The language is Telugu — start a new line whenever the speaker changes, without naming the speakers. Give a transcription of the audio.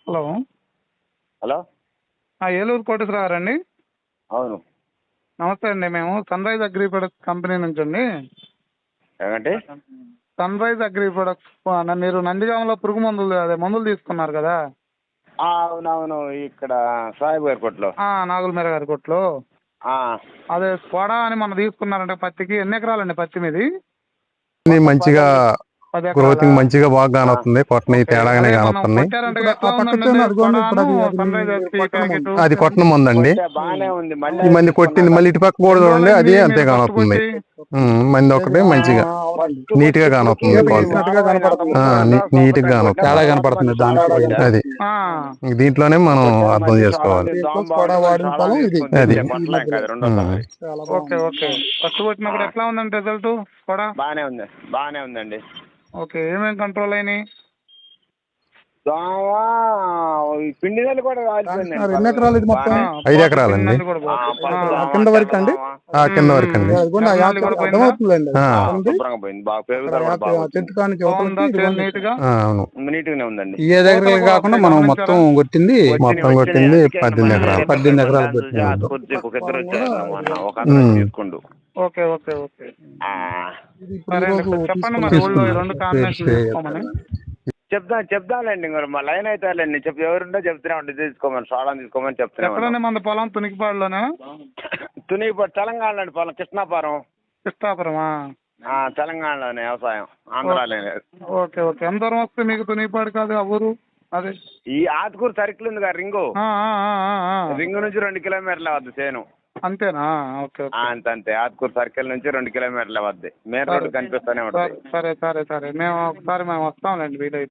హలో.
హలో.
ఏలూరు కోటేశ్వర గారండి?
అవును.
నమస్తే అండి. మేము Sunrise agri products company నుంచి అండి.
ఏమంటే
సన్ రైజ్ అగ్రి ప్రొడక్ట్స్ మీరు నందిగామలో పురుగు మందులు అదే మందులు తీసుకున్నారు కదా?
అవునవును, ఇక్కడ సాయిబు గారి కొట్లో.
నాగులమీర గారి కొట్లో. అదే స్కోడా అని మనం తీసుకున్నారంటే పత్తికి. ఎన్ని ఎకరాలండి పత్తి మీది?
మంచిగా
10 ఎకరాలా?
గ్రోతింగ్ మంచిగా బాగా కానొస్తుంది. కొట్టని
ఓకే.
తేడాగానే
అదే మనం
కానొస్తున్నాయి.
కొట్టారంటే
ఇప్పుడు
ఎట్లా
ఆ పక్క
ఉందండి
చేను అదిగోండి, ఇప్పుడు
స్కోడాను
అది
సన్ రైజ్ ఎస్పీ
కొట్టడం
ప్యాకెట్?
అది కొట్టనం ఉందండి.
బాగానే ఉంది. మళ్ళీ
ఈ మంది కొట్టింది మళ్ళీ ఇటు పక్క కూడా
ఎన్ని
చూడండి, అది
రోజులైంది
అంతే
మీరు ఫస్ట్
కానొస్తుంది.
కొట్టి?
మంది ఒకటే మంచిగా నీట్ గా కానొస్తుంది.
వేసినట్టుగా కనపడుతుంది.
నీట్ గా కానొస్తుంది.
తేడా కనపడుతుంది దాంట్లో.
అది దీంట్లోనే మనం అర్థం చేసుకోవాలి.
వాడిన పొలం ఇది.
అది.
Okay okay. ఫస్ట్ కొట్టినప్పుడు ఎట్లా ఉందండి రిజల్ట్ స్కోడా?
బాగానే ఉందండి.
ఓకే. ఏమేమి కంట్రోల్ అయినాయి?
దోమ, ఈ పిండి నెల్లి కూడా కాలిపోయిందండి.
2 ఎకరాలు ఇది మొత్తం?
5 ఎకరాలండి.
కింద వరకు అండి?
కింద వరకు అండి.
అదిగోండి, ఆ యాప్ అర్థమవుతుందండి.
శుభ్రంగా పోయింది. బాగా పెరుగుదల కూడా బాగా వచ్చింది.
చెట్టుకానికి
బాగుందా చేను నీట్ గా?
అవును.
నీట్ గానే ఉందండి.
ఏ దగ్గర కాకుండా మనం మొత్తం కొట్టింది
మొత్తం కొట్టింది 18 ఎకరాలు.
18 ఎకరాలు కొట్టింది.
ఒక ఇద్దరు వచ్చారు, ఒక అతను తీసుకుండు.
Okay okay okay.
ఆ,
సరే అండి. చెప్పండి మరి ఊళ్ళో ఈ 2 కాంబినేషన్ తీసుకోమని.
చెప్తానండి. మరి మా లైన్ అవుతారులేండి. ఎవరుంటో చెప్తూనే ఉండి తీసుకోమని, సోడాన్ తీసుకోమని చెప్తూనే
ఎక్కడండి మన పొలం? తునికిపాడులోనే?
తునిగిపాడు తెలంగాణలో అండి. పొలం కృష్ణాపురం.
కృష్ణాపురమా?
తెలంగాణలోనే వ్యవసాయం, ఆంధ్రాలో.
Okay okay. ఎంత దూరం వస్తే మీకు తునిగిపాడు కాదు ఆ ఊరు? అదే
ఈ ఆతుకూరు సర్కిల్ ఉంది కదా, రింగు నుంచి 2 కిలోమీటర్ల వద్ద చేను.
అంతేనా? Okay okay.
అంతే. ఆతుకూరు సర్కిల్ నుంచి 2 కిలోమీటర్ల వద్ద మెయిన్ రోడ్డు కనిపిస్తూనే ఉంటుంది.
సరే సరే సరే. మేము ఒకసారి వస్తాంలేండి వీలైతే.